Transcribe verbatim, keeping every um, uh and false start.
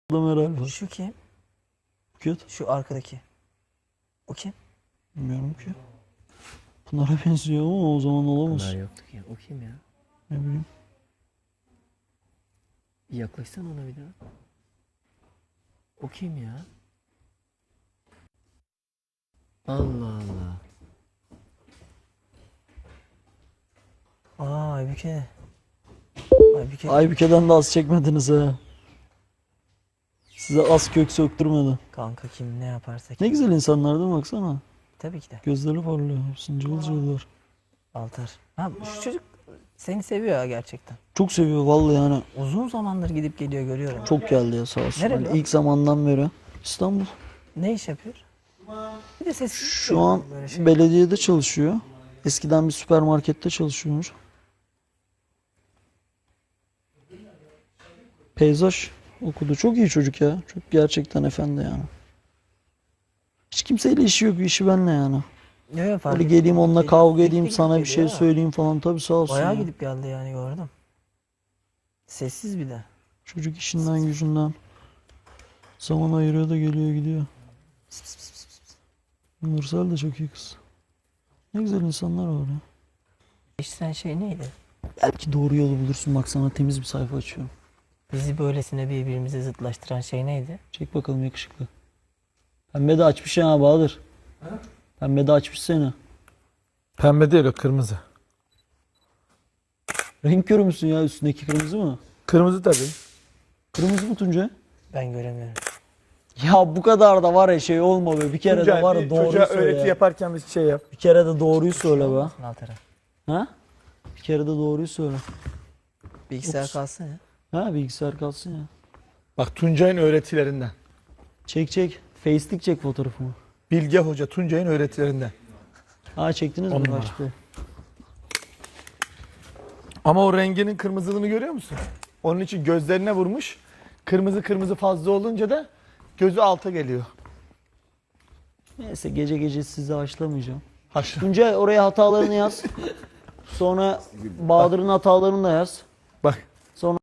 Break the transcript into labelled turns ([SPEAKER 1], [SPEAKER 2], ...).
[SPEAKER 1] Adam herhalde.
[SPEAKER 2] Şu kim?
[SPEAKER 1] Kötü.
[SPEAKER 2] Şu arkadaki. O kim?
[SPEAKER 1] Bilmiyorum ki. Pınar'a benziyor ama o zaman olamaz.
[SPEAKER 3] Pınar yoktu ki. O kim ya?
[SPEAKER 1] Ne bileyim.
[SPEAKER 3] Bir yaklaşsana ona bir daha. O kim ya? Allah Allah.
[SPEAKER 2] Aa Aybüke. Aybüke.
[SPEAKER 1] Aybüke'den de az çekmediniz ha. Size az kök söktürmedi.
[SPEAKER 2] Kanka kim ne yaparsa
[SPEAKER 1] Ne
[SPEAKER 2] kim.
[SPEAKER 1] güzel insanlar değil mi? Baksana.
[SPEAKER 2] Tabii ki de.
[SPEAKER 1] Gözleri parlıyor. Hepsinin cıvıl cıvıllar.
[SPEAKER 2] Altar. Ha şu çocuk seni seviyor ha gerçekten.
[SPEAKER 1] Çok seviyor vallahi yani.
[SPEAKER 2] Uzun zamandır gidip geliyor görüyorum.
[SPEAKER 1] Çok geldi ya sağ olsun.
[SPEAKER 2] Nereli
[SPEAKER 1] Hani
[SPEAKER 2] o?
[SPEAKER 1] ilk zamandan beri. İstanbul.
[SPEAKER 2] Ne iş yapıyor? Bir de sesi
[SPEAKER 1] Şu an
[SPEAKER 2] böyle şey.
[SPEAKER 1] belediyede çalışıyor. Eskiden bir süpermarkette çalışıyormuş. Peyzaj okudu. Çok iyi çocuk ya. Çok gerçekten efendi yani. Hiç kimseyle işi yok. İşi benle yani.
[SPEAKER 2] Yok yok fark
[SPEAKER 1] Böyle
[SPEAKER 2] ettim.
[SPEAKER 1] geleyim onunla
[SPEAKER 2] Gidip-
[SPEAKER 1] kavga
[SPEAKER 2] gidip
[SPEAKER 1] edeyim
[SPEAKER 2] gidip
[SPEAKER 1] sana bir
[SPEAKER 2] geliyor
[SPEAKER 1] şey
[SPEAKER 2] ha.
[SPEAKER 1] söyleyeyim falan. Tabii sağ olsun
[SPEAKER 2] Bayağı
[SPEAKER 1] ya.
[SPEAKER 2] gidip geldi yani gördüm. Sessiz bir de.
[SPEAKER 1] Çocuk işinden gücünden zaman ayırıyor da geliyor gidiyor. Nursel de çok iyi kız. Ne güzel insanlar var ya.
[SPEAKER 2] İşten şey neydi?
[SPEAKER 1] Belki doğru yolu bulursun. Bak sana temiz bir sayfa açıyorum.
[SPEAKER 2] Bizi böylesine birbirimize zıtlaştıran şey neydi?
[SPEAKER 1] Çek bakalım yakışıklı. Pembe de açmış ya Bahadır. Pembe de açmış seni.
[SPEAKER 4] Pembe değil o, kırmızı.
[SPEAKER 1] Renk körü müsün ya, üstündeki kırmızı mı?
[SPEAKER 4] Kırmızı tabii.
[SPEAKER 1] Kırmızı mı Tuncay?
[SPEAKER 2] Ben göremiyorum.
[SPEAKER 1] Ya bu kadar da var ya şey olma be. Bir kere
[SPEAKER 4] Tuncay,
[SPEAKER 1] de var
[SPEAKER 4] bir
[SPEAKER 1] ya doğruyu
[SPEAKER 4] çocuğa
[SPEAKER 1] söyle
[SPEAKER 4] öğreti
[SPEAKER 1] ya.
[SPEAKER 4] yaparken bir şey yap.
[SPEAKER 1] Bir kere de doğruyu söyle be.
[SPEAKER 2] Alt taraf.
[SPEAKER 1] Ha? Bir kere de doğruyu söyle.
[SPEAKER 2] Bilgisayar
[SPEAKER 1] Ups.
[SPEAKER 2] kalsın ya.
[SPEAKER 1] Ha bilgisayar kalsın ya.
[SPEAKER 4] Bak Tuncay'ın öğretilerinden.
[SPEAKER 1] Çek çek. Face'lik çek fotoğrafımı.
[SPEAKER 4] Bilge Hoca Tuncay'ın öğretilerinden.
[SPEAKER 1] Ha çektiniz
[SPEAKER 4] On
[SPEAKER 1] mi
[SPEAKER 4] numara.
[SPEAKER 1] Raşit Bey?
[SPEAKER 4] Ama o renginin kırmızılığını görüyor musun? Onun için gözlerine vurmuş. Kırmızı kırmızı fazla olunca da gözü alta geliyor.
[SPEAKER 1] Neyse gece gece sizi haşlamayacağım.
[SPEAKER 4] Haşlı.
[SPEAKER 1] Tuncay oraya hatalarını yaz. Sonra Bahadır'ın hatalarını da yaz.
[SPEAKER 4] Bak